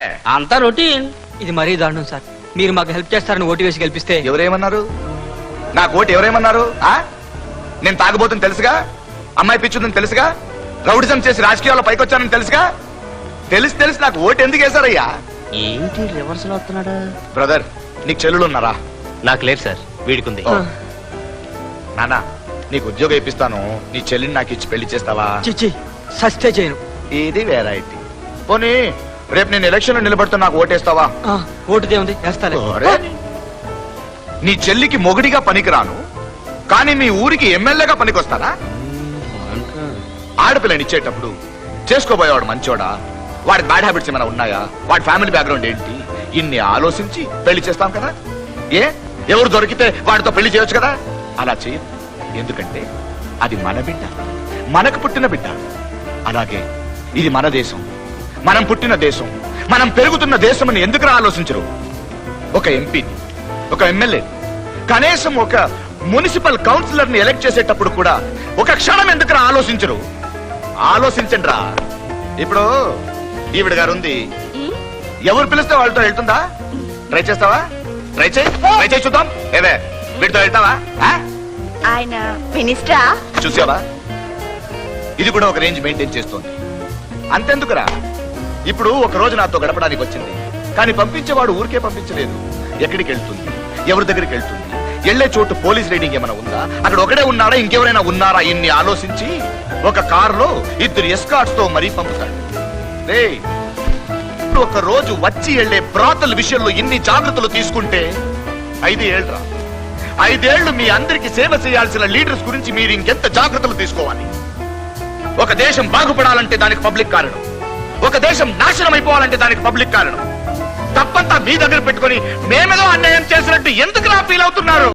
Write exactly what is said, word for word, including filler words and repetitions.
అంతా రొటీన్. ఇది మరీ దారుణం సార్. మీరు మాకు హెల్ప్ చేస్తారని ఓటు వేసి గెలిపిస్తే ఎవరేమన్నారు? నాకు ఓటు ఎవరేమన్నారు? ఆ నేను తాగబోతుంది తెలుసుగా, అమ్మాయి పిచ్చుందని తెలుసుగా, రౌడిజం చేసి రాజకీయాల్లో పైకొచ్చానని తెలుసుగా. తెలిసి తెలిసి నాకు ఓటు ఎందుకు వేశారయ్యా? ఏంటి రివర్స్ లో వస్తున్నాడా? బ్రదర్, నీకు చెల్లెలు ఉన్నారా? నాకు లేదు సార్, వీడికుంది. నానా, నీకు ఉద్యోగం ఇప్పిస్తాను, నీ చెల్లిని నాకు ఇచ్చి పెళ్లి చేస్తావా? చిచ్చి సస్తే చేయను. ఇది వెరైటీ. పోనీ రేపు నేను ఎలక్షన్ లో నిలబడుతూ నాకు ఓటేస్తావా? ఆ, ఓటుదే ఉంది, వేస్తాలే. ఒరే, నీ చెల్లికి మొగుడిగా పనికిరాను, కానీ మీ ఊరికి ఎమ్మెల్యేగా పనికొస్తానా? ఆడపిల్లని ఇచ్చేటప్పుడు చేసుకోబోయేవాడు మంచోడా, వాడి బ్యాడ్ హ్యాబిట్స్ ఏమైనా ఉన్నాయా, వాడి ఫ్యామిలీ బ్యాక్గ్రౌండ్ ఏంటి, ఇన్ని ఆలోచించి పెళ్లి చేస్తాం కదా. ఏ ఎవరు దొరికితే వాడితో పెళ్లి చేయొచ్చు కదా. అలా చేయ, ఎందుకంటే అది మన బిడ్డ, మనకు పుట్టిన బిడ్డ. అలాగే ఇది మన దేశం, మనం పుట్టిన దేశం, మనం పెరుగుతున్న దేశం అని ఎందుకు ఆలోచించరు? ఒక ఎంపీని, ఒక ఎమ్మెల్యే, కనీసం ఒక మున్సిపల్ కౌన్సిలర్ ని ఎలక్ట్ చేసేటప్పుడు కూడా ఒక క్షణం ఎందుకు ఆలోచించరు? ఆలోచించండి రా. ఇప్పుడు ఈవిడ గారు ఉంది, ఎవరు పిలిస్తే వాళ్ళతో వెళ్తుందా? ట్రై చేస్తావా? ట్రై చేయి, ట్రై చేయి చూద్దాం. ఏదే వీటితో వెళ్తావా? ఆయన మినిస్టరా? చూసావా, ఇది కూడా ఒక రేంజ్ మెయింటైన్ చేస్తోంది. అంతెందుకురా, ఇప్పుడు ఒక రోజు నాతో గడపడానికి వచ్చింది, కానీ పంపించేవాడు ఊరికే పంపించలేదు. ఎక్కడికి వెళ్తుంది, ఎవరి దగ్గరికి వెళ్తుంది, వెళ్లే చోటు పోలీస్ రైడింగ్ ఏమైనా ఉందా, అక్కడ ఒకడే ఉన్నాడా, ఇంకెవరైనా ఉన్నారా, ఇన్ని ఆలోచించి ఒక కారులో ఇద్దరు ఎస్కార్ట్స్ తో మరీ పంపుతాడు. రేయ్, ఒక రోజు వచ్చి వెళ్లే బ్రాతల విషయంలో ఇన్ని జాగ్రత్తలు తీసుకుంటే ఐదు ఏళ్ళరా, ఐదేళ్లు మీ అందరికి సేవ చేయాల్సిన లీడర్స్ గురించి మీరు ఇంకెంత జాగ్రత్తలు తీసుకోవాలి? ఒక దేశం బాగుపడాలంటే దానికి పబ్లిక్ కారణం, ఒక దేశం నాశనం అయిపోవాలంటే దానికి పబ్లిక్ కారణం. తప్పంతా మీ దగ్గర పెట్టుకుని మేమేదో అన్యాయం చేసినట్టు ఎందుకు నా ఫీల్ అవుతున్నారు?